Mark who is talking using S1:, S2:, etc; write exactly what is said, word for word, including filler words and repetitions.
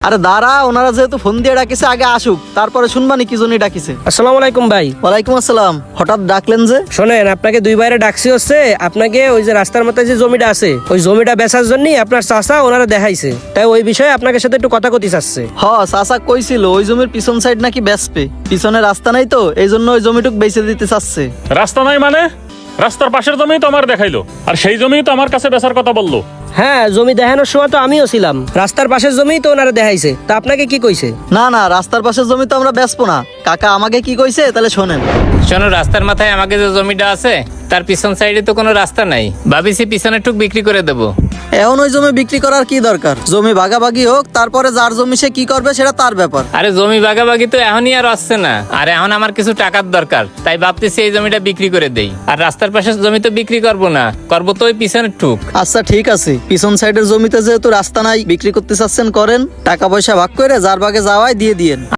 S1: আরে দাঁড়া, ওনারা যেহেতু ফোন দিয়ে ডাকিছে আগে আসুক, তারপরে শুনবানি কি জন্য ডাকিছে।
S2: আসসালামু আলাইকুম ভাই।
S1: ওয়ালাইকুম আসসালাম। হঠাৎ ডাকলেন যে?
S2: শোনেন, আপনাকে দুই বাইরে ডাকছি হচ্ছে আপনাকে ওই যে রাস্তার মধ্যে যে জমিটা আছে ওই জমিটা বেচার জন্যই আপনার চাচা ওনারা দেখাইছে, তাই ওই বিষয়ে আপনাকে সাথে একটু কথা কতি চাচ্ছে।
S1: হ, চাচা কইছিল ওই জমির পিছন সাইড নাকি বেচবে, পিছনে রাস্তা নাই তো এই জন্য ওই জমিটুক বেচে দিতে চাচ্ছে।
S3: রাস্তা নাই মানে? রাস্তার পাশের জমি তো আমার দেখাইলো, আর সেই জমি তো আমার কাছে বেচার কথা বললো।
S2: হ্যাঁ, জমি দেখানোর সময় তো আমিও ছিলাম, রাস্তার পাশের জমি তো ওনারা দেখাইছে, তা আপনাকে কি কইছে?
S1: না না, রাস্তার পাশের জমি তো আমরা বেচবো না। কাকা আমাকে কি কইছে তাহলে শোনেন।
S4: শোনো, রাস্তার মাথায় আমাকে যে জমিটা আছে তার পিছন সাইডে তো কোনো রাস্তা নাই, ভাবিছি পিছনে টুক বিক্রি করে দেবো।
S1: এখন ওই জমি বিক্রি করার কি দরকার? জমি ভাগাভাগি হোক, তারপরে যার জমি সে কি করবে সেটা তার ব্যাপার।
S4: আরে জমি ভাগাভাগি তো এখনই আর আসছে না, আর এখন আমার কিছু টাকার দরকার, তাই ভাবতেছি এই জমিটা বিক্রি করে দেই। আর রাস্তার পাশের জমি তো বিক্রি করবো না, করবো তো ওই পিছনের টুক।
S1: আচ্ছা ঠিক আছে, পিছন সাইডের জমিতে যেহেতু রাস্তা নাই, বিক্রি করতে চাচ্ছেন করেন, টাকা পয়সা ভাগ করে যার ভাগে যাওয়াই দিয়ে দিয়েন।